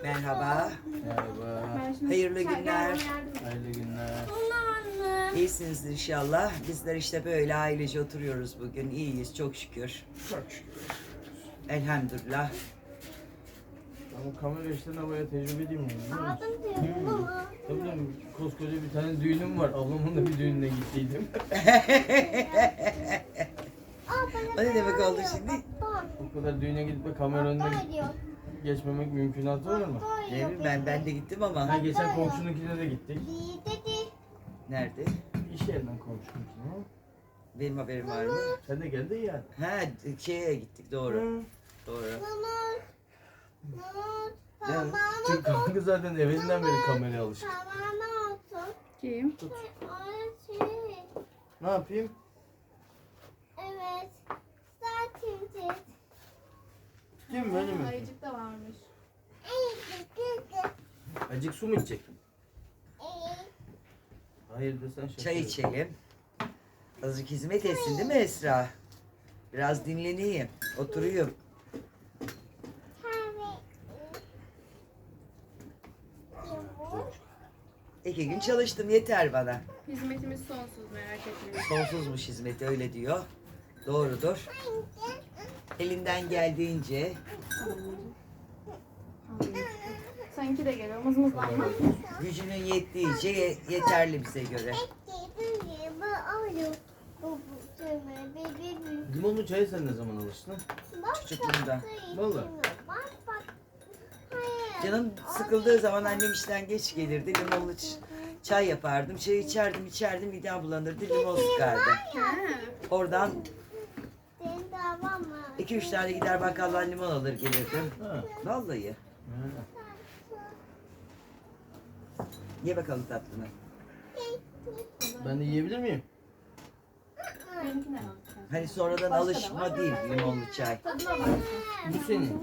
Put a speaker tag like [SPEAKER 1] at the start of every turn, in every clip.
[SPEAKER 1] Merhaba.
[SPEAKER 2] Merhaba.
[SPEAKER 1] Hayırlı günler.
[SPEAKER 2] Hayırlı günler.
[SPEAKER 1] İyisiniz inşallah. Bizler işte böyle ailece oturuyoruz bugün. İyiyiz çok şükür.
[SPEAKER 2] Çok şükür.
[SPEAKER 1] Elhamdülillah.
[SPEAKER 2] Ama kamera işlerine bayağı tecrübeliyim yani.
[SPEAKER 3] Aldım diyorum ama.
[SPEAKER 2] Tabii canım, koskoca bir tane düğünüm var. Ablamın da bir düğününe gittiydim.
[SPEAKER 1] O ne demek oldu şimdi?
[SPEAKER 2] O kadar düğüne gidip de kamera önüne geçmemek mümkünatı var mı?
[SPEAKER 1] Ne bileyim ben de gittim ama.
[SPEAKER 2] Ha, geçen komşununkine de gittik.
[SPEAKER 1] Nerede?
[SPEAKER 2] İş yerinden komşununkine.
[SPEAKER 1] Benim haberim var mı?
[SPEAKER 2] Sen de geldin ya.
[SPEAKER 1] Ha şeye gittik doğru.
[SPEAKER 2] Hı.
[SPEAKER 1] Doğru.
[SPEAKER 2] Yani Türk halkı zaten evvelinden beri kameraya alışık.
[SPEAKER 4] Kim?
[SPEAKER 2] Tut. Ne yapayım?
[SPEAKER 3] Evet. Zaten
[SPEAKER 2] Tutayım mı öyle mi?
[SPEAKER 4] Ayıcık da varmış.
[SPEAKER 2] Acık su mu içecek? Hayır desen şaka.
[SPEAKER 1] Çay içelim. Azıcık hizmet etsin değil mi Esra? Biraz dinleneyim. Oturuyum. İki gün çalıştım yeter bana.
[SPEAKER 4] Hizmetimiz sonsuz, merak etmeyin.
[SPEAKER 1] Sonsuzmuş hizmeti öyle diyor. Doğrudur. Elinden geldiğince
[SPEAKER 4] Sanki de geliyor mızmızlanma.
[SPEAKER 1] gücünün yettiğince yeterli bize göre.
[SPEAKER 2] Limonlu çaya sen ne zaman alıştın?
[SPEAKER 1] Çocukluğumda.
[SPEAKER 2] Vallahi.
[SPEAKER 1] Canım sıkıldığı zaman annem işten geç gelirdi. Limonlu çay yapardım. Çay içerdim midem bulanırdı. Limon sıkardım.
[SPEAKER 4] Ha.
[SPEAKER 1] Oradan 2-3 tane gider bakkaldan limon alır gelirdim.
[SPEAKER 2] Ha.
[SPEAKER 1] Vallahi.
[SPEAKER 2] Ha.
[SPEAKER 1] Ye bakalım tatlını.
[SPEAKER 2] Ben de yiyebilir miyim?
[SPEAKER 4] Benimkine bak.
[SPEAKER 1] Hani sonradan
[SPEAKER 4] Başka da
[SPEAKER 1] alışma
[SPEAKER 4] var.
[SPEAKER 1] değil limonlu çay.
[SPEAKER 4] Tadına bak.
[SPEAKER 2] Bu senin.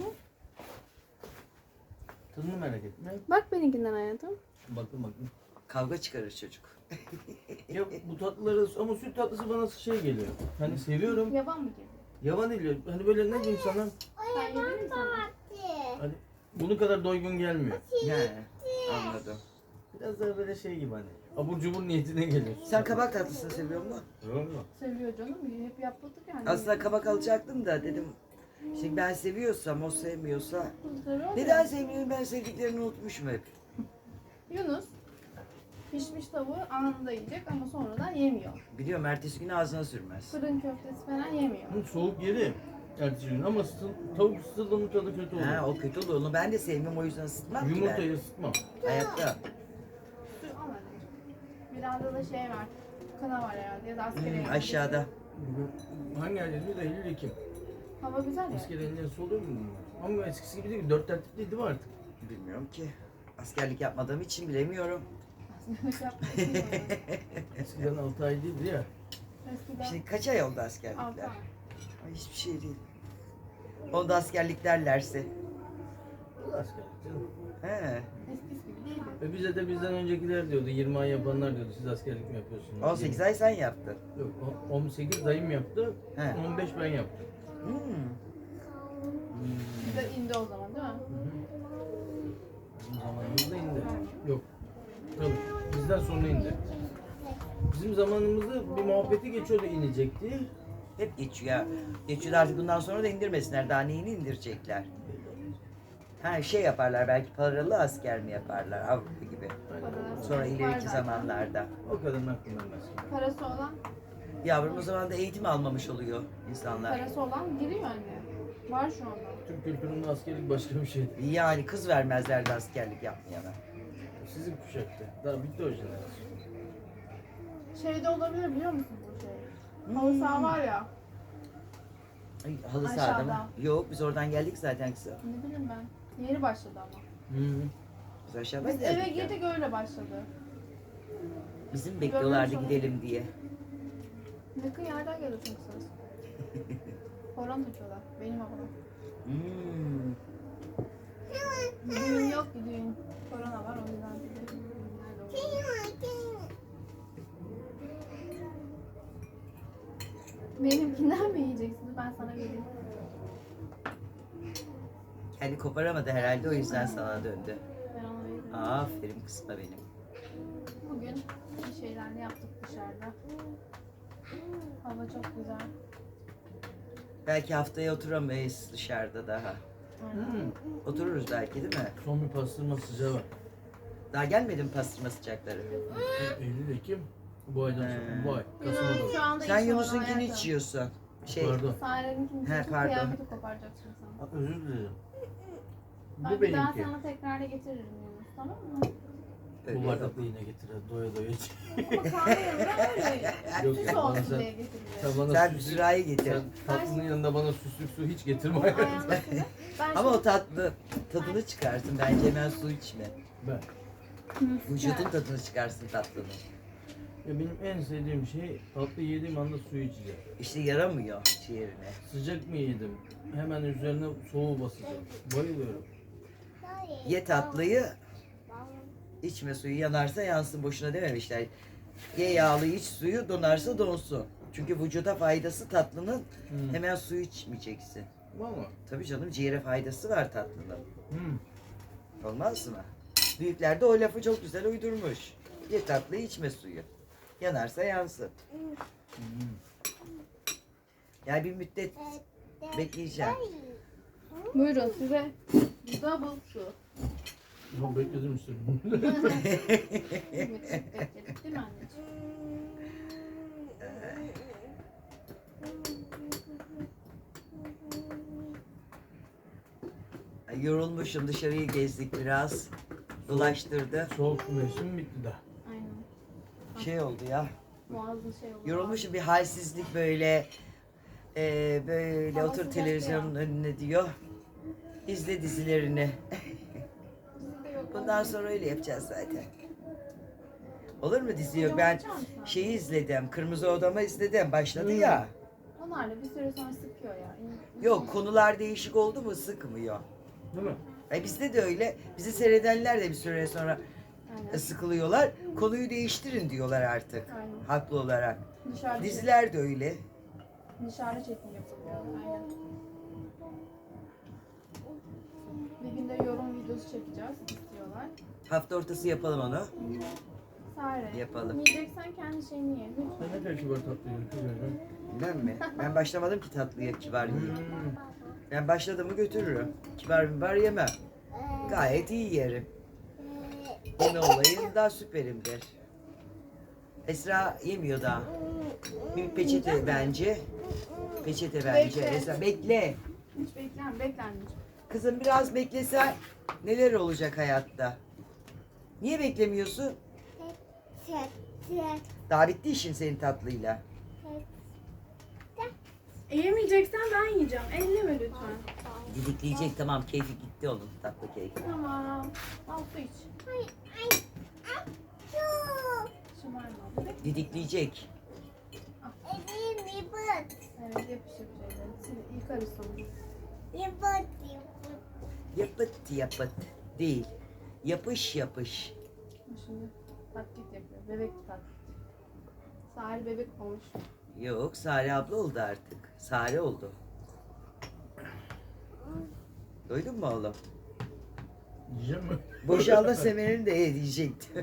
[SPEAKER 2] Tadını merak etme.
[SPEAKER 4] Bak benimkinden hayatım.
[SPEAKER 2] Bakın.
[SPEAKER 1] Kavga çıkarır çocuk.
[SPEAKER 2] Ya bu tatlıları ama süt tatlısı bana şey geliyor. Hani seviyorum.
[SPEAKER 4] Yaban mı geliyor?
[SPEAKER 2] Yavan değil. Hani böyle ne diyeyim sana?
[SPEAKER 4] Sen yedin mi sana?
[SPEAKER 2] Hani bunun kadar doygun gelmiyor.
[SPEAKER 1] He, anladım.
[SPEAKER 2] Biraz daha böyle şey gibi hani. Abur cubur niyetine geliyor.
[SPEAKER 1] Sen kabak tatlısını seviyor musun?
[SPEAKER 2] Yok mu?
[SPEAKER 4] Seviyor canım. Hep yapmadık yani.
[SPEAKER 1] Aslında kabak alacaktım da dedim. Şimdi ben seviyorsam o sevmiyorsa.
[SPEAKER 4] Seviyor
[SPEAKER 1] Neden
[SPEAKER 4] ya.
[SPEAKER 1] sevmiyorum ben sevdiklerini unutmuşum hep.
[SPEAKER 4] Yunus pişmiş tavuğu anında yiyecek ama sonradan yemiyor.
[SPEAKER 1] Biliyorum ertesi gün ağzına sürmez.
[SPEAKER 4] Fırın köftesi falan yemiyor.
[SPEAKER 2] Hı, soğuk yedi. Ertesi gün ama tavuk ısıtıldığının tadı kötü oluyor.
[SPEAKER 1] Ha o kötü olur. Onu ben de sevmem o yüzden ısıtmam ki ben.
[SPEAKER 2] Yumurtayı ısıtmam.
[SPEAKER 1] Hayatta.
[SPEAKER 4] Su al anneciğim. Biraz da şey var. Kana var herhalde ya da askere
[SPEAKER 1] Aşağıda.
[SPEAKER 2] Hangi ayda diyor da Eylül Ekim.
[SPEAKER 4] Hava güzel ya.
[SPEAKER 2] Asker elinden oluyor mu bunlar? Ama eskisi gibi değil. 4 tertipli değil mi artık?
[SPEAKER 1] Bilmiyorum ki. Askerlik yapmadığım için bilemiyorum.
[SPEAKER 2] Eskiden 6 ay değildi ya.
[SPEAKER 4] Eskiden
[SPEAKER 1] Şimdi kaç ay oldu
[SPEAKER 4] 6
[SPEAKER 1] askerlikler?
[SPEAKER 4] ay.
[SPEAKER 1] Ay, hiçbir şey değil. Onda askerlik derlerse.
[SPEAKER 2] Bu da askerlik canım.
[SPEAKER 1] He.
[SPEAKER 4] Eskisi gibi değil.
[SPEAKER 2] Ve bize de bizden öncekiler diyordu, 20 ay yapanlar diyordu, siz askerlik mi yapıyorsunuz?
[SPEAKER 1] 18 ay sen yaptın.
[SPEAKER 2] Yok, 18 dayım yaptı,
[SPEAKER 1] He.
[SPEAKER 2] 15 ben yaptım.
[SPEAKER 1] Hmm.
[SPEAKER 4] Bize indi o zaman değil mi?
[SPEAKER 2] Bizim zamanımızda indi. Yok, tabii bizden sonra indi. Bizim zamanımızda bir muhabbeti geçiyordu inecekti.
[SPEAKER 1] Hep geçiyor. Geçiyor artık bundan sonra da indirmesinler. Daha neyini indirecekler? Ha şey yaparlar belki paralı asker mi yaparlar Avrupa gibi.
[SPEAKER 4] Parası
[SPEAKER 1] Sonra
[SPEAKER 4] var
[SPEAKER 1] ileriki
[SPEAKER 4] zaten.
[SPEAKER 1] zamanlarda.
[SPEAKER 2] O kadarın aklımdan mesela.
[SPEAKER 4] Parası olan,
[SPEAKER 1] Yavrum o zaman da eğitim almamış oluyor insanlar.
[SPEAKER 4] parası olan giriyor anne. Var şu anda.
[SPEAKER 2] Türk kültüründe askerlik başka bir şeydi.
[SPEAKER 1] Yani kız vermezlerdi askerlik yapmayana.
[SPEAKER 2] Sizin kuşakta. Daha bitti o jenerasyon.
[SPEAKER 4] Şeyde olabilir biliyor musun bu şey? Halı saha var ya.
[SPEAKER 1] Ay, halı sahada mı?
[SPEAKER 4] Aşağıda.
[SPEAKER 1] Yok biz oradan geldik zaten kızım.
[SPEAKER 4] Ne bileyim ben. Yeni başladı ama.
[SPEAKER 1] Biz aşağı
[SPEAKER 4] Biz eve
[SPEAKER 1] geldik ya.
[SPEAKER 4] girdik öyle başladı.
[SPEAKER 1] Bizim bekliyorlardı
[SPEAKER 4] Görmüş
[SPEAKER 1] gidelim diye.
[SPEAKER 4] Yakın yerden geliyor çünkü ses. Horon tutuyorlar. Benim babam.
[SPEAKER 1] Hmm.
[SPEAKER 4] Düğün yok ki düğün. Korona var o yüzden. Nerede olur? Benimkinden mi yiyeceksiniz? Ben sana vereyim.
[SPEAKER 1] Hani koparamadı herhalde, o yüzden sana döndü.
[SPEAKER 4] Ben onu veririm.
[SPEAKER 1] Aferin kızma benim.
[SPEAKER 4] Bugün bir şeyler yaptık dışarıda. Hava çok güzel.
[SPEAKER 1] Belki haftaya oturamayız dışarıda daha.
[SPEAKER 2] Hmm.
[SPEAKER 1] Otururuz belki, değil mi?
[SPEAKER 2] Son bir pastırma sıcağı var.
[SPEAKER 1] Daha gelmedi mi pastırma sıcakları?
[SPEAKER 2] Eylül, Ekim. Bu aydan sonra.
[SPEAKER 1] He.
[SPEAKER 2] Bu ay. Kasım'a
[SPEAKER 4] Yunus
[SPEAKER 2] doğru.
[SPEAKER 4] şu anda
[SPEAKER 1] Sen
[SPEAKER 4] iş
[SPEAKER 1] Yunus'unkini
[SPEAKER 4] orada
[SPEAKER 1] hiç yiyorsun.
[SPEAKER 2] Pardon.
[SPEAKER 4] Sare'ninkini
[SPEAKER 1] He,
[SPEAKER 4] seçip
[SPEAKER 1] pardon.
[SPEAKER 4] kıyafeti koparacaksın sen.
[SPEAKER 2] Özür dilerim.
[SPEAKER 4] Ben
[SPEAKER 2] Bu
[SPEAKER 4] bir daha
[SPEAKER 2] benimki.
[SPEAKER 4] sana tekrar getiririm Yunus, tamam mı?
[SPEAKER 1] Öyle
[SPEAKER 2] Bu
[SPEAKER 1] yok.
[SPEAKER 2] bardakla yine getirir. Doya doya iç.
[SPEAKER 4] Ama kahve yanında öyle
[SPEAKER 2] Yok,
[SPEAKER 4] süs
[SPEAKER 2] bana
[SPEAKER 4] olsun
[SPEAKER 2] sen-
[SPEAKER 4] diye getirilir.
[SPEAKER 2] Sen bana
[SPEAKER 1] Sen bir
[SPEAKER 2] süslü-
[SPEAKER 1] sürahi getir.
[SPEAKER 2] Sen tatlının yanında bana süslük su hiç getirme.
[SPEAKER 4] Onun ayağındakini. Ben
[SPEAKER 1] Ama o
[SPEAKER 4] şimdi-
[SPEAKER 1] tadını çıkarsın. Bence hemen su içme.
[SPEAKER 2] Ben.
[SPEAKER 1] Vücudun tadını çıkarsın tatlının.
[SPEAKER 2] Ya benim en sevdiğim şey tatlı yediğim anda suyu içeceğim.
[SPEAKER 1] İşte yaramıyor ciğerine.
[SPEAKER 2] Sıcak mı yedim? Hemen üzerine soğuğu basacağım. Bayılıyorum.
[SPEAKER 1] Ye tatlıyı, içme suyu, yanarsa yansın, boşuna dememişler. Ye yağlı, iç suyu, donarsa donsun. Çünkü vücuda faydası tatlının,
[SPEAKER 2] Hmm.
[SPEAKER 1] hemen suyu içmeyeceksin.
[SPEAKER 2] Valla.
[SPEAKER 1] Tabii canım, ciğere faydası var tatlının.
[SPEAKER 2] Hmm.
[SPEAKER 1] Olmaz mı? Büyükler de o lafı çok güzel uydurmuş. Ye tatlıyı, içme suyu. Yanarsa yansın.
[SPEAKER 2] Hmm.
[SPEAKER 1] Yani bir müddet bekleyeceğim.
[SPEAKER 4] Buyurun size double su.
[SPEAKER 2] Ya bekledim işte.
[SPEAKER 4] Evet, bekledik değil mi anneciğim?
[SPEAKER 1] Ay, yorulmuşum, dışarıyı gezdik biraz. Dolaştırdı.
[SPEAKER 2] Soğuk mevsim bitti de.
[SPEAKER 4] Aynen.
[SPEAKER 1] Şey oldu ya.
[SPEAKER 4] Boğazın şey oldu.
[SPEAKER 1] Yorulmuşum, bir halsizlik böyle. Böyle
[SPEAKER 4] Hava
[SPEAKER 1] otur
[SPEAKER 4] sıcak
[SPEAKER 1] televizyonun önüne diyor. İzle dizilerini.
[SPEAKER 4] Bizde yok.
[SPEAKER 1] Bundan sonra öyle yapacağız zaten. Olur mu, dizi yok? Ben şeyi izledim. Kırmızı Odam'ı izledim. Başladı ya.
[SPEAKER 4] Onlar da bir süre sonra sıkıyor ya.
[SPEAKER 1] Yok, konular değişik oldu mu sıkmıyor.
[SPEAKER 2] Değil mi?
[SPEAKER 1] Bizde de öyle. Bizi seyredenler de bir süre sonra
[SPEAKER 4] Aynen.
[SPEAKER 1] sıkılıyorlar. Konuyu değiştirin diyorlar artık.
[SPEAKER 4] Aynen.
[SPEAKER 1] Haklı olarak.
[SPEAKER 4] Dışarıda,
[SPEAKER 1] Diziler de öyle.
[SPEAKER 4] dışarıda çekim yapılıyor. Aynen. Bir günde yorum videosu çekeceğiz istiyorlar.
[SPEAKER 1] Hafta ortası yapalım onu.
[SPEAKER 4] Sare.
[SPEAKER 1] Yapalım.
[SPEAKER 4] Yiyeceksen kendi şeyini ye. Lütfen.
[SPEAKER 2] Sen ne kadar kibar tatlı yiyorsun kız öyle.
[SPEAKER 1] Ben mi? Ben başlamadım ki tatlıya, kibar yiyeyim.
[SPEAKER 2] Hmm.
[SPEAKER 1] Ben başladım mı götürürüm. Kibar mibar yemem. Gayet iyi yerim. Yeme olayında süperimdir. Esra yemiyor daha. Bir peçete bence. Peçete bence.
[SPEAKER 4] Bekle.
[SPEAKER 1] Esra bekle.
[SPEAKER 4] Hiç bekle anneciğim.
[SPEAKER 1] Kızım biraz beklesen neler olacak hayatta? Niye beklemiyorsun? Daha bitti işin senin tatlıyla.
[SPEAKER 4] Yemeyeceksen ben yiyeceğim. Elleme lütfen.
[SPEAKER 1] Didikleyecek, tamam, keyfi gitti onun, tatlı keyfi.
[SPEAKER 4] Tamam. Al su iç. Şımarma. Bebek.
[SPEAKER 1] Didikleyecek.
[SPEAKER 4] Evet yapışır şeyleri. Şimdi yıkarız sonra.
[SPEAKER 1] Yapıt yapıt değil. Yapış yapış.
[SPEAKER 4] Şimdi taklit yapıyor. Bebek taklit. Sare bebek olmuş.
[SPEAKER 1] Yok, Sare abla oldu artık. Sare oldu. Duydun mu oğlum?
[SPEAKER 2] Yiyeceğim mi?
[SPEAKER 1] Boşalma semerini de ye diyecektim.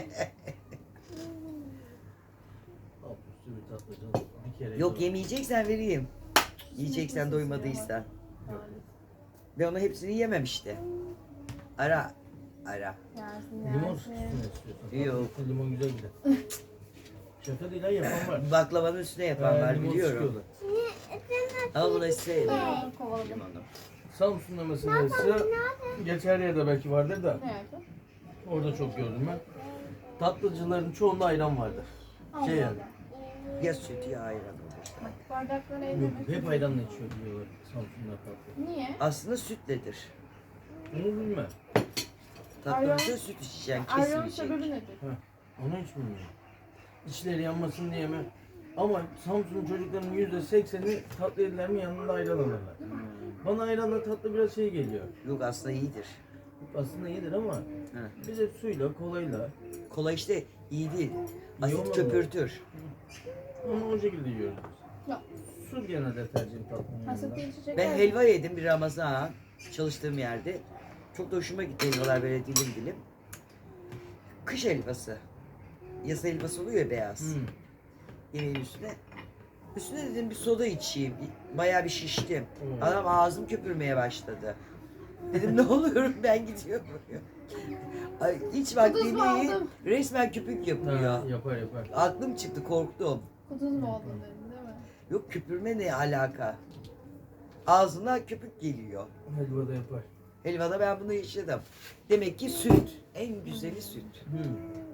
[SPEAKER 2] Al üstü bir tatlı canım. Bir kere
[SPEAKER 1] Yok,
[SPEAKER 2] yiyorum.
[SPEAKER 1] yemeyeceksen vereyim. Yiyeceksen doymadıysan.
[SPEAKER 4] Maalesef.
[SPEAKER 1] Ben onu hepsini yemem işte. Ara. Ara.
[SPEAKER 4] Yersin
[SPEAKER 2] Limon
[SPEAKER 4] yersin.
[SPEAKER 2] sıkısını istiyorsan.
[SPEAKER 1] Yok.
[SPEAKER 2] Tatlı limon güzel gider. Şaka değil ha, yapan var.
[SPEAKER 1] Baklavanın üstüne yapan var,
[SPEAKER 2] Limon
[SPEAKER 1] biliyorum.
[SPEAKER 2] sıkıyorlar.
[SPEAKER 1] Ama bunu hiç sevmiyorum.
[SPEAKER 4] Aa, kovaladım.
[SPEAKER 1] Limonu.
[SPEAKER 2] Samsun'da mesela ise gerçi her yerde belki vardır da
[SPEAKER 4] Ne yaptın?
[SPEAKER 2] orada çok gördüm ben. Tatlıcıların çoğunda ayran vardır.
[SPEAKER 4] Allah
[SPEAKER 2] Şey yani.
[SPEAKER 4] Allah.
[SPEAKER 1] Ya süt ya ayran olur.
[SPEAKER 4] Bak, bardakları
[SPEAKER 2] Yok,
[SPEAKER 4] ellemek.
[SPEAKER 2] hep ayranla içiyor diyorlar Samsun'da tatlı.
[SPEAKER 4] Niye?
[SPEAKER 1] Aslında sütledir.
[SPEAKER 2] Onu bilmem.
[SPEAKER 1] Tatlıda süt içeceksin,
[SPEAKER 4] Ayranın
[SPEAKER 1] kesin
[SPEAKER 4] sebebi
[SPEAKER 1] içecek.
[SPEAKER 4] nedir?
[SPEAKER 2] Onu hiç bilmiyorum. İçleri yanmasın diye mi? Ama Samsun'un çocuklarının %80'i tatlı yediler mi yanında ayran alırlar. Bana ayranla tatlı biraz şey geliyor.
[SPEAKER 1] Yok, aslında iyidir.
[SPEAKER 2] Aslında iyidir ama
[SPEAKER 1] Hı.
[SPEAKER 2] biz hep suyla, kolayla
[SPEAKER 1] Kola işte iyi değil.
[SPEAKER 2] İyi
[SPEAKER 1] Asit
[SPEAKER 2] olmadı mı?
[SPEAKER 1] köpürtür.
[SPEAKER 2] ama o şekilde yiyoruz.
[SPEAKER 4] Ya.
[SPEAKER 2] Su genelde tercihim tatlının
[SPEAKER 4] Hasat
[SPEAKER 2] yanında.
[SPEAKER 4] içecek.
[SPEAKER 1] Ben helva yedim bir Ramazan. çalıştığım yerde. Çok da hoşuma gitti helvalar böyle dilim dilim. Kış helvası. Yasa helvası oluyor ya beyaz.
[SPEAKER 2] Hmm.
[SPEAKER 1] Yemeğin üstüne. Üstüne dedim bir soda içeyim. Bayağı bir şiştim.
[SPEAKER 2] Hmm.
[SPEAKER 1] Adam ağzım köpürmeye başladı. Dedim ne oluyorum ben gidiyorum. Ay, hiç vakti
[SPEAKER 4] Kuduz mu
[SPEAKER 1] değil.
[SPEAKER 4] oldum?
[SPEAKER 1] Resmen köpük yapıyor.
[SPEAKER 2] Ha, yapar yapar.
[SPEAKER 1] Aklım çıktı korktum.
[SPEAKER 4] Kuduz mu oldun dedin değil mi?
[SPEAKER 1] Yok köpürme ne alaka? Ağzına köpük geliyor.
[SPEAKER 2] Helva da yapar.
[SPEAKER 1] Helvada ben bunu yaşadım. Demek ki süt. En güzeli süt.
[SPEAKER 2] Hmm.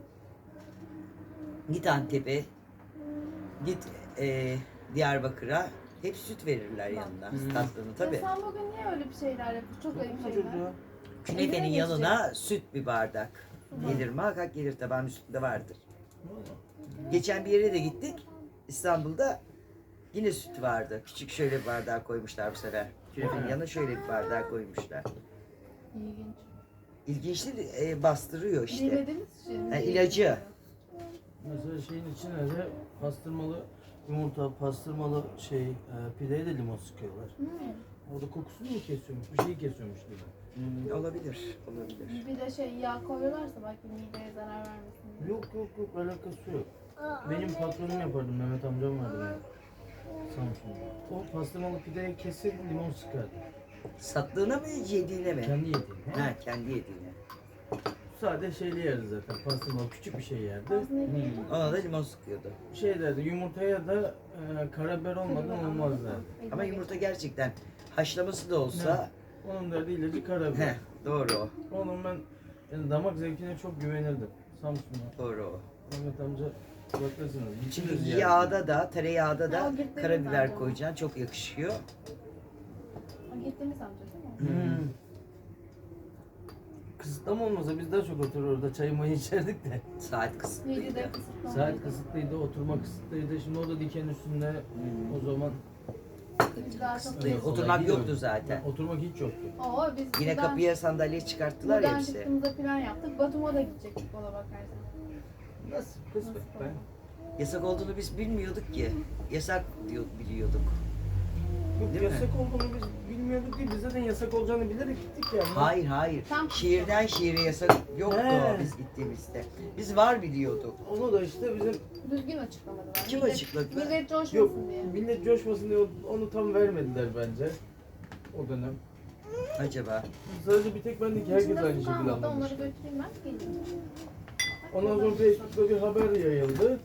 [SPEAKER 1] Git Antep'e. Git Diyarbakır'a. Hep süt verirler yanına.
[SPEAKER 2] Hı.
[SPEAKER 1] Tatlını tabii.
[SPEAKER 4] Ya sen bugün niye öyle bir şeyler yapıyorsun? Çok ayıp
[SPEAKER 2] Yapma
[SPEAKER 4] şeyler.
[SPEAKER 2] çocuğa.
[SPEAKER 1] Künefenin
[SPEAKER 4] Evine
[SPEAKER 1] yanına süt bir bardak.
[SPEAKER 4] Hı.
[SPEAKER 1] Gelir muhakkak gelir tabağın üstünde vardır.
[SPEAKER 2] Vallahi.
[SPEAKER 1] Geçen bir yere de gittik. İstanbul'da yine süt vardı. Küçük şöyle bir bardağa koymuşlar bu sefer. Künefenin yanına şöyle bir bardağa koymuşlar.
[SPEAKER 4] İlginç.
[SPEAKER 1] İlginçli bastırıyor işte.
[SPEAKER 4] Bilmediğimiz için.
[SPEAKER 1] Ha, ilacı.
[SPEAKER 2] Mesela şeyin içine de pastırmalı yumurta, pastırmalı pideye de limon sıkıyorlar. Orada kokusunu mu kesiyormuş, bir şey kesiyormuş gibi.
[SPEAKER 1] Olabilir, olabilir.
[SPEAKER 4] Bir de yağ koyuyorlarsa belki mideye zarar vermesin diye.
[SPEAKER 2] Yok alakası yok. Benim patronum yapardı, Mehmet amcam vardı benim. Samsun'da. O pastırmalı pideye kesip limon sıkardı.
[SPEAKER 1] Sattığına mı yediğine mi?
[SPEAKER 2] Kendi yediğini.
[SPEAKER 1] Ha kendi yediğine.
[SPEAKER 2] Sade şeyli yerdi zaten. Pastırmalı küçük bir şey yerdi.
[SPEAKER 4] Aslında iyi.
[SPEAKER 1] Ona da limon sıkıyordu.
[SPEAKER 2] Şey derdi, yumurtaya da karabiber olmadan olmaz derdi.
[SPEAKER 1] Ama yumurta gerçekten haşlaması da olsa
[SPEAKER 2] Onun derdi ilacı karabiber.
[SPEAKER 1] heh, doğru o.
[SPEAKER 2] Onun ben yani damak zevkine çok güvenirdim. Samsun'da.
[SPEAKER 1] Doğru o.
[SPEAKER 2] Mehmet amca bakırsınız.
[SPEAKER 1] Şimdi
[SPEAKER 2] biçimiz
[SPEAKER 1] yağda da tereyağda da
[SPEAKER 4] Ya, gittiğimiz
[SPEAKER 1] karabiber
[SPEAKER 4] amca.
[SPEAKER 1] koyacaksın çok yakışıyor.
[SPEAKER 4] O gittiğimiz amca değil mi?
[SPEAKER 2] Hmm. Kısıtlama olmasa biz daha çok oturur orada çay mayı içerdik de.
[SPEAKER 1] Saat kısıtlıydı.
[SPEAKER 4] 7'de kısıtlama.
[SPEAKER 2] Saat kısıtlıydı, oturma kısıtlıydı. Şimdi o da diken üstünde. O zaman
[SPEAKER 4] Biz daha çok
[SPEAKER 2] Kolay
[SPEAKER 1] Oturmak
[SPEAKER 2] değil
[SPEAKER 1] yoktu
[SPEAKER 2] mi?
[SPEAKER 1] zaten.
[SPEAKER 2] Oturmak hiç yoktu.
[SPEAKER 4] Oo, biz
[SPEAKER 1] Yine
[SPEAKER 4] buradan-
[SPEAKER 1] kapıya sandalye çıkarttılar ya
[SPEAKER 4] buradan
[SPEAKER 1] hepsi.
[SPEAKER 4] çıktığımızda plan yaptık. Batum'a da gidecektik ona bakarsan.
[SPEAKER 2] Nasıl? Kısmet be.
[SPEAKER 1] Yasak olduğunu biz bilmiyorduk ki. Yasak biliyorduk.
[SPEAKER 2] Yok,
[SPEAKER 1] Değil mi?
[SPEAKER 2] yasak olduğunu biz bilmiyorduk değil. Biz zaten yasak olacağını bilerek gittik yani.
[SPEAKER 1] Hayır hayır.
[SPEAKER 4] Tam-
[SPEAKER 1] Şiirden şiire yasak yoktu
[SPEAKER 2] He.
[SPEAKER 1] biz gittiğimizde. Biz var biliyorduk.
[SPEAKER 2] Onu da işte bizim
[SPEAKER 4] Düzgün açıklamadılar.
[SPEAKER 1] Kim
[SPEAKER 4] Millet-
[SPEAKER 1] açıkladı?
[SPEAKER 4] Millet coşmasın
[SPEAKER 2] yok
[SPEAKER 4] diye.
[SPEAKER 2] millet coşmasın diye onu tam vermediler bence. O dönem.
[SPEAKER 1] Acaba.
[SPEAKER 2] Sadece bir tek ben de ki herkes
[SPEAKER 4] İçinde
[SPEAKER 2] aynı
[SPEAKER 4] su
[SPEAKER 2] şekilde
[SPEAKER 4] kalmadı,
[SPEAKER 2] anlamış.
[SPEAKER 4] onları götüreyim ben geleyim.
[SPEAKER 2] Ondan sonra Facebook'ta bir haber yayıldı.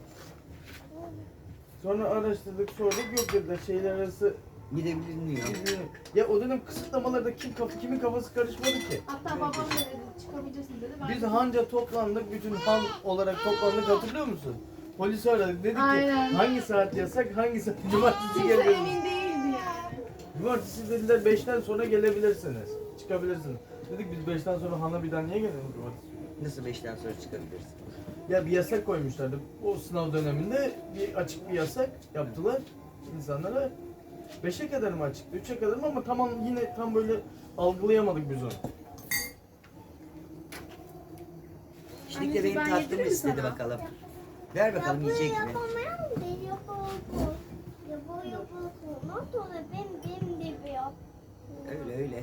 [SPEAKER 2] Sonra araştırdık sorduk yok dediler şeyler arası
[SPEAKER 1] Gidebilinmiyor.
[SPEAKER 2] ya o dönem kısıtlamalarda kimin kafası karışmadı ki.
[SPEAKER 4] Hatta babam da dedi çıkabilirsin dedi. Ben
[SPEAKER 2] Biz hanca toplandık bütün han olarak toplandık hatırlıyor musun? Polisi aradık dedik
[SPEAKER 4] Aynen.
[SPEAKER 2] ki hangi saat yasak hangi saat cumartesi
[SPEAKER 4] kimse
[SPEAKER 2] gelebilirsiniz.
[SPEAKER 4] emin değildi yani.
[SPEAKER 2] Cumartesi dediler 5'ten sonra gelebilirsiniz. Çıkabilirsiniz. Dedik biz 5'ten sonra hana bir daha niye gelelim cumartesi?
[SPEAKER 1] Nasıl 5'ten sonra çıkabilirsin?
[SPEAKER 2] Ya bir yasak koymuşlardı. O sınav döneminde bir açık bir yasak yaptılar insanlara. 5'e kadar mı açıktı, 3'e kadar mı ama yine tam böyle algılayamadık biz onu.
[SPEAKER 1] Şimdi de
[SPEAKER 4] Anneciğim,
[SPEAKER 1] benim
[SPEAKER 4] ben
[SPEAKER 1] tatlımı
[SPEAKER 4] yedireyim
[SPEAKER 1] istedi
[SPEAKER 4] sana.
[SPEAKER 1] bakalım. Ver bakalım yiyecek mi?
[SPEAKER 3] yapamayan da yapalım. Yapalım. Not olur benim gibi yap.
[SPEAKER 1] Öyle öyle.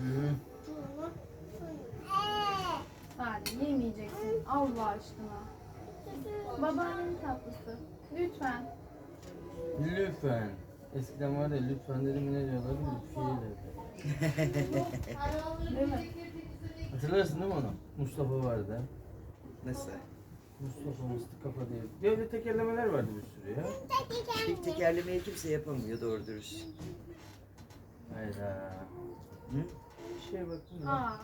[SPEAKER 4] Hadi yemeyeceksin Allah aşkına. Babaannenin tatlısı. Lütfen.
[SPEAKER 2] Lütfen. Eskiden var ya lütfen dedim ne diyorlar? Lütfiye derdi.
[SPEAKER 4] Değil mi?
[SPEAKER 2] Hatırlarsın değil mi onu? Mustafa vardı.
[SPEAKER 1] Nasıl?
[SPEAKER 2] Mustafa Mıstık Kafa diye. Böyle tekerlemeler vardı bir sürü ya.
[SPEAKER 1] Tek tekerlemeyi kimse yapamıyor doğru dürüst.
[SPEAKER 2] Hayda.
[SPEAKER 1] Hı?
[SPEAKER 2] Bir şeye baktım ya.
[SPEAKER 4] Aa.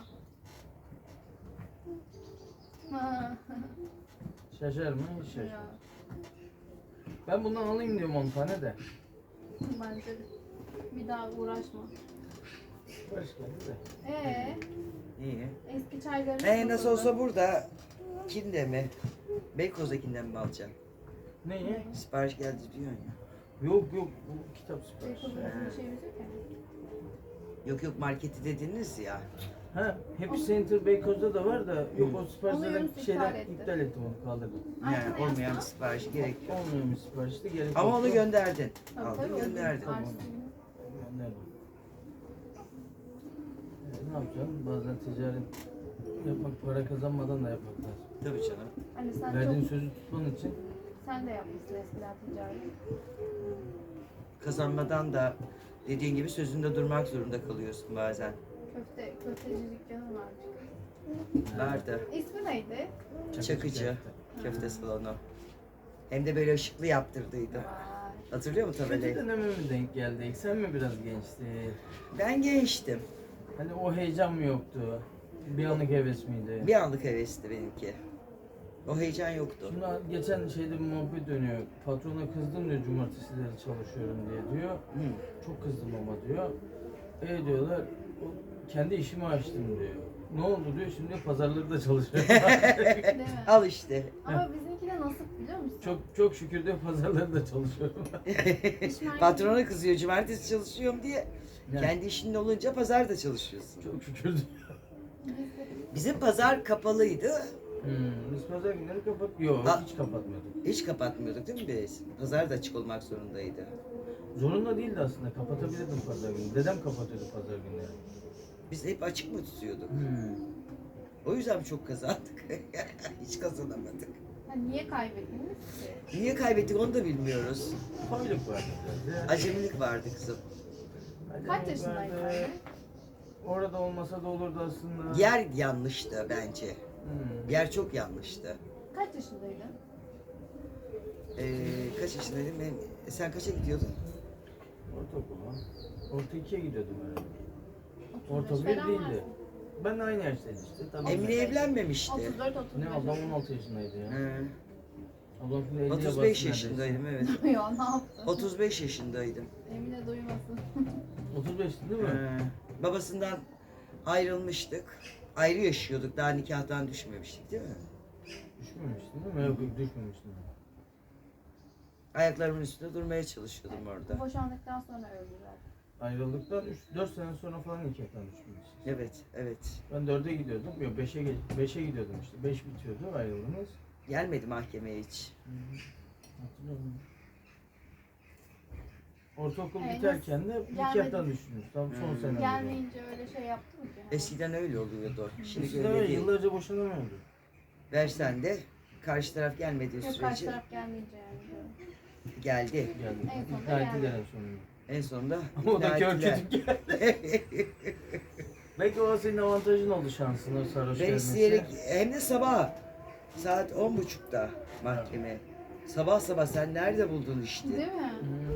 [SPEAKER 4] Ha.
[SPEAKER 2] Şaşar mı? Hiç
[SPEAKER 4] Ya,
[SPEAKER 2] şaşmaz. Ben bundan alayım diyorum 10 tane de.
[SPEAKER 4] bence de. Bir daha uğraşma.
[SPEAKER 2] Hoş geldi de.
[SPEAKER 1] İyi.
[SPEAKER 4] Eski çaylarımız
[SPEAKER 1] Nasıl olsa burada kinde mi? Beykoz'dakinden mi alacağım?
[SPEAKER 2] Neyi?
[SPEAKER 1] Sipariş geldi diyorsun ya.
[SPEAKER 2] Yok bu kitap siparişi.
[SPEAKER 4] Bir şeyimiz yok yani.
[SPEAKER 1] Yok marketi dediniz ya.
[SPEAKER 2] Ha, Happy Center Beykoz'da da var da yok o siparişlerden
[SPEAKER 4] Alıyoruz,
[SPEAKER 2] şeyden
[SPEAKER 4] iptal etti.
[SPEAKER 2] iptal ettim onu kaldırdım.
[SPEAKER 1] Yani
[SPEAKER 4] Açsana
[SPEAKER 1] olmayan bir
[SPEAKER 4] yastığı.
[SPEAKER 1] sipariş gerek yok.
[SPEAKER 2] Olmuyormuş siparişte gerek
[SPEAKER 1] Ama
[SPEAKER 2] yok.
[SPEAKER 1] onu gönderdin.
[SPEAKER 4] Tabii,
[SPEAKER 1] Aldın
[SPEAKER 4] tabii,
[SPEAKER 1] gönderdin.
[SPEAKER 4] Açsın.
[SPEAKER 2] Gönderdim. Ne yapacaksın? Bazen ticaret yapmak, para kazanmadan da yapmak lazım.
[SPEAKER 1] Tabii canım.
[SPEAKER 4] Hani sen
[SPEAKER 2] Verdiğin
[SPEAKER 4] çok,
[SPEAKER 2] sözü tutman için
[SPEAKER 4] sen de yapmışsın eskiden ticaret.
[SPEAKER 1] Kazanmadan da dediğin gibi sözünde durmak zorunda kalıyorsun bazen.
[SPEAKER 4] Köfteci dükkanı varmış.
[SPEAKER 1] Vardı.
[SPEAKER 4] İsmi neydi?
[SPEAKER 1] Çakıcı köfte salonu. Hem de böyle ışıklı yaptırdıydı.
[SPEAKER 4] Vay.
[SPEAKER 1] Hatırlıyor musun
[SPEAKER 2] Kötü
[SPEAKER 1] tabelayı?
[SPEAKER 2] döneme mi denk geldik? Sen mi biraz gençtin?
[SPEAKER 1] Ben gençtim.
[SPEAKER 2] Hani o heyecan mı yoktu? Bir anlık heves miydi?
[SPEAKER 1] Bir anlık hevesti benimki. O heyecan yoktu.
[SPEAKER 2] Şimdi geçen şeyde bir muhabbet dönüyor. Patrona kızdım diyor, cumartesileri çalışıyorum diye diyor.
[SPEAKER 1] Hı.
[SPEAKER 2] Çok kızdım ama diyor. Diyorlar, kendi işimi açtım diyor. Ne oldu diyor, şimdi pazarları da çalışıyorum.
[SPEAKER 4] Değil mi?
[SPEAKER 1] Al işte.
[SPEAKER 4] Ama bizimki de nasip biliyor musun?
[SPEAKER 2] çok şükür diyor, pazarları da çalışıyorum.
[SPEAKER 4] İşmen-
[SPEAKER 1] Patrona kızıyor cumartesi çalışıyorum diye.
[SPEAKER 2] Yani,
[SPEAKER 1] Kendi işinin olunca pazar da çalışıyorsun.
[SPEAKER 2] çok şükür diyor.
[SPEAKER 1] Bizim pazar kapalıydı.
[SPEAKER 2] Biz pazar günleri kapat... Yok,
[SPEAKER 1] Ha.
[SPEAKER 2] hiç kapatmıyorduk.
[SPEAKER 1] Hiç kapatmıyorduk değil mi biz? Pazar da açık olmak zorundaydı.
[SPEAKER 2] Zorunda değildi aslında, kapatabilirdim pazar günü. Dedem kapatıyordu pazar günleri.
[SPEAKER 1] Biz hep açık mı tutuyorduk?
[SPEAKER 2] Hmm.
[SPEAKER 1] O yüzden çok kazandık. Hiç kazanamadık.
[SPEAKER 4] Ha, niye kaybettiniz ki?
[SPEAKER 1] Niye kaybettik onu da bilmiyoruz.
[SPEAKER 2] Koyluk vardı biraz ya.
[SPEAKER 1] Acemilik vardı kızım.
[SPEAKER 4] Kaç yaşındaydın
[SPEAKER 2] vardı.
[SPEAKER 4] anne?
[SPEAKER 2] Orada olmasa da olurdu aslında.
[SPEAKER 1] Yer yanlıştı bence.
[SPEAKER 2] Hmm.
[SPEAKER 1] Yer çok yanlıştı.
[SPEAKER 4] Kaç yaşındaydın?
[SPEAKER 1] Kaç yaşındaydın? Sen kaça gidiyordun?
[SPEAKER 2] Ortaokula. Orta 2'ye gidiyordum herhalde.
[SPEAKER 4] 35
[SPEAKER 2] Orta 1
[SPEAKER 4] falan
[SPEAKER 2] değildi.
[SPEAKER 4] varsın.
[SPEAKER 2] Ben de aynı yaştaydım işte. Tabii.
[SPEAKER 1] Emine evlenmemişti.
[SPEAKER 4] 34 35.
[SPEAKER 2] Ne ablam 16 yaşındaydı ya.
[SPEAKER 1] He,
[SPEAKER 2] Ablam şimdi 50'ye
[SPEAKER 1] 35
[SPEAKER 2] bastı
[SPEAKER 1] yaşındaydım evet.
[SPEAKER 4] Ya ne yaptın?
[SPEAKER 1] 35 yaşındaydım.
[SPEAKER 4] Emine duymasın.
[SPEAKER 2] 35 değil mi?
[SPEAKER 1] Babasından ayrılmıştık. Ayrı yaşıyorduk. Daha nikahtan düşmemiştik değil mi?
[SPEAKER 2] Düşmemiştin değil mi? Yok yok düşmemiştin.
[SPEAKER 1] Ayaklarımın üstünde durmaya çalışıyordum orada.
[SPEAKER 4] Boşandıktan sonra öldüler.
[SPEAKER 2] Ayrıldıktan 4 sene sonra falan nikahtan düşmüştük.
[SPEAKER 1] Evet, evet.
[SPEAKER 2] Ben 4'e gidiyordum. Yok 5'e gidiyordum işte. 5 bitiyordu ayrıldığımız.
[SPEAKER 1] Gelmedi mahkemeye hiç.
[SPEAKER 2] Hatırlıyorum. Ortaokul
[SPEAKER 4] Evet,
[SPEAKER 2] biterken de nikahtan
[SPEAKER 4] gelmedi.
[SPEAKER 2] düştünüz. Tam son sene.
[SPEAKER 4] Gelmeyince öyle şey yaptın ki.
[SPEAKER 1] Eskiden öyle oluyordu. Şimdi
[SPEAKER 2] Eskiden
[SPEAKER 1] öyle
[SPEAKER 2] öyle
[SPEAKER 1] değil.
[SPEAKER 2] yıllarca boşanamıyordu.
[SPEAKER 1] Versen de karşı taraf gelmediği
[SPEAKER 4] Yok karşı
[SPEAKER 1] sürece
[SPEAKER 4] taraf gelmeyince yani.
[SPEAKER 1] geldi.
[SPEAKER 2] Geldi.
[SPEAKER 4] En sonunda
[SPEAKER 2] İkna ettiler
[SPEAKER 4] geldi.
[SPEAKER 2] en sonunda.
[SPEAKER 1] En sonunda
[SPEAKER 2] Ama o da
[SPEAKER 1] ikna
[SPEAKER 2] kör
[SPEAKER 1] ettiler.
[SPEAKER 2] kütük geldi. Belki o senin avantajın oldu şansına sarhoş
[SPEAKER 1] Ben
[SPEAKER 2] gelmesi.
[SPEAKER 1] isteyerek hem de sabah saat 10.30'da mahkeme. Sabah sabah sen nerede buldun işte?
[SPEAKER 4] Değil mi?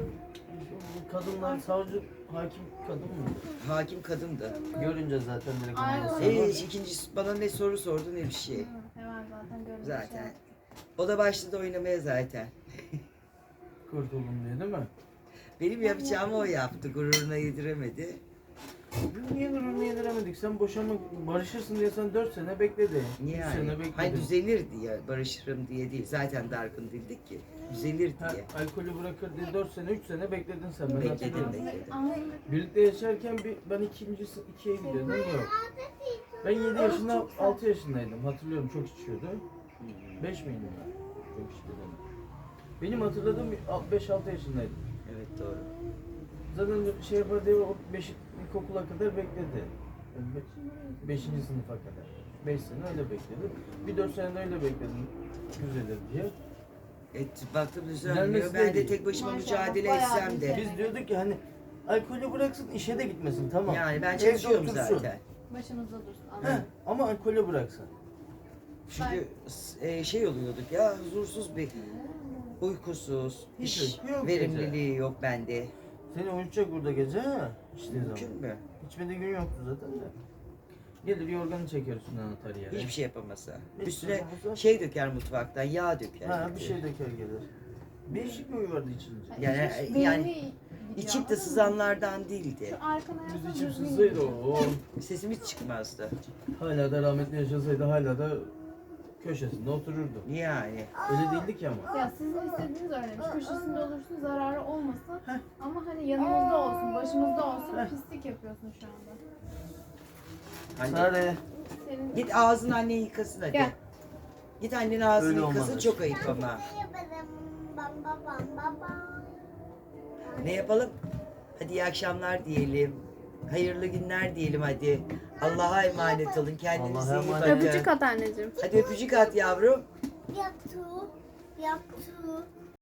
[SPEAKER 2] Bu kadınlar, savcı, hakim kadın mı?
[SPEAKER 1] Hakim kadındı.
[SPEAKER 2] Görünce zaten direkt
[SPEAKER 4] Aynen.
[SPEAKER 2] anlasın.
[SPEAKER 1] Hiç ikincisi bana ne soru sordu ne bir şey.
[SPEAKER 4] Hı, hemen zaten görünce
[SPEAKER 1] Zaten.
[SPEAKER 4] şey.
[SPEAKER 1] O da başladı oynamaya zaten.
[SPEAKER 2] Kurtuldum diye değil mi?
[SPEAKER 1] Benim yapacağımı o yaptı. Gururuna yediremedi.
[SPEAKER 2] Biz niye gururunu yediremedik? Sen boşanmak, barışırsın diye sen 4 sene bekledi.
[SPEAKER 1] Niye
[SPEAKER 2] 3
[SPEAKER 1] yani?
[SPEAKER 2] sene bekledi.
[SPEAKER 1] Hayır düzelir diye, barışırım diye değil. Zaten dargın değildik ki. Düzelir
[SPEAKER 2] Ha,
[SPEAKER 1] diye.
[SPEAKER 2] alkolü bırakır diye 4 sene, 3 sene bekledin sen. Ben
[SPEAKER 1] Bekledim,
[SPEAKER 2] hatırlıyorum.
[SPEAKER 1] bekledim.
[SPEAKER 2] Birlikte yaşarken ben ikincisi 2'ye gidiyordum. Yok. Ben 7 yaşında, 6 yaşındaydım. Hatırlıyorum çok içiyordu. 5 miydim ben? Çok içiyordum. Benim hatırladığım 5-6 yaşındaydım.
[SPEAKER 1] Evet doğru.
[SPEAKER 2] Zaten şey yapar diye o ilkokula kadar bekledi. 5. sınıfa kadar. 5 sene öyle bekledim. Bir 4 sene de öyle bekledim. Düzelir diye.
[SPEAKER 1] Baktım
[SPEAKER 2] Düzelmesi
[SPEAKER 1] düzelmiyor.
[SPEAKER 2] de
[SPEAKER 1] Ben de
[SPEAKER 2] değil.
[SPEAKER 1] tek başıma
[SPEAKER 4] Maşallah,
[SPEAKER 1] mücadele
[SPEAKER 4] bayağı
[SPEAKER 1] etsem de.
[SPEAKER 4] bir
[SPEAKER 2] Biz diyorduk ki hani alkolü bıraksın, işe de gitmesin, tamam.
[SPEAKER 1] Yani ben
[SPEAKER 2] Evde
[SPEAKER 1] çalışıyorum
[SPEAKER 2] otursun.
[SPEAKER 1] zaten.
[SPEAKER 4] Başımızda dursun.
[SPEAKER 2] Heh,
[SPEAKER 4] Anladım.
[SPEAKER 2] ama alkolü bıraksın.
[SPEAKER 1] Çünkü şey oluyorduk ya huzursuz bir uykusuz,
[SPEAKER 2] Hiç
[SPEAKER 1] iş
[SPEAKER 2] uyku yok
[SPEAKER 1] verimliliği yok bende.
[SPEAKER 2] Seni uyutacak burada gece ha. İçtiği zaman.
[SPEAKER 1] Mümkün mü?
[SPEAKER 2] Hiçbir gün yoktu zaten de. Gelir yorganı çeker üstüne atar yere.
[SPEAKER 1] Hiçbir şey yapamasa.
[SPEAKER 2] Hiç
[SPEAKER 1] Üstüne
[SPEAKER 2] yapamasa.
[SPEAKER 1] şey döker mutfaktan, yağ döker.
[SPEAKER 2] Ha bir şey döker gelir. Değişik bir uyu vardı içince.
[SPEAKER 1] Yani-
[SPEAKER 4] Hiç
[SPEAKER 1] yani
[SPEAKER 4] beyni gidiyor,
[SPEAKER 1] İçip de
[SPEAKER 4] anladın mı?
[SPEAKER 1] sızanlardan değildi.
[SPEAKER 4] Şu arkana
[SPEAKER 2] Biz
[SPEAKER 4] yapsana,
[SPEAKER 2] içip
[SPEAKER 4] düzgün
[SPEAKER 2] sızsaydı
[SPEAKER 4] gidiyor.
[SPEAKER 2] o.
[SPEAKER 1] Sesim hiç çıkmazdı.
[SPEAKER 2] Hala da rahmetli yaşasaydı hala da köşesinde otururdu.
[SPEAKER 1] Yani.
[SPEAKER 2] Öyle değildik ya ama.
[SPEAKER 4] Ya sizin istediğiniz öyleymiş. Köşesinde olursun, zararı olmasın. Ama hani yanımızda olsun, başımızda olsun.
[SPEAKER 2] Heh.
[SPEAKER 4] Pislik yapıyorsun şu anda.
[SPEAKER 1] Hani
[SPEAKER 2] Sare.
[SPEAKER 4] Senin
[SPEAKER 1] git ağzını annen yıkasın hadi.
[SPEAKER 4] Gel.
[SPEAKER 1] Git annen ağzını
[SPEAKER 2] Öyle
[SPEAKER 1] yıkasın
[SPEAKER 2] olmaz.
[SPEAKER 1] çok ayıp ama. Ne yapalım? Hadi iyi akşamlar diyelim. Hayırlı günler diyelim hadi. Allah'a emanet olun. Kendinize
[SPEAKER 2] Allah'a
[SPEAKER 1] iyi
[SPEAKER 2] emanet.
[SPEAKER 1] bakın.
[SPEAKER 4] Öpücük at anneciğim.
[SPEAKER 1] Hadi öpücük at yavrum.
[SPEAKER 3] Yaptı. Yaptı.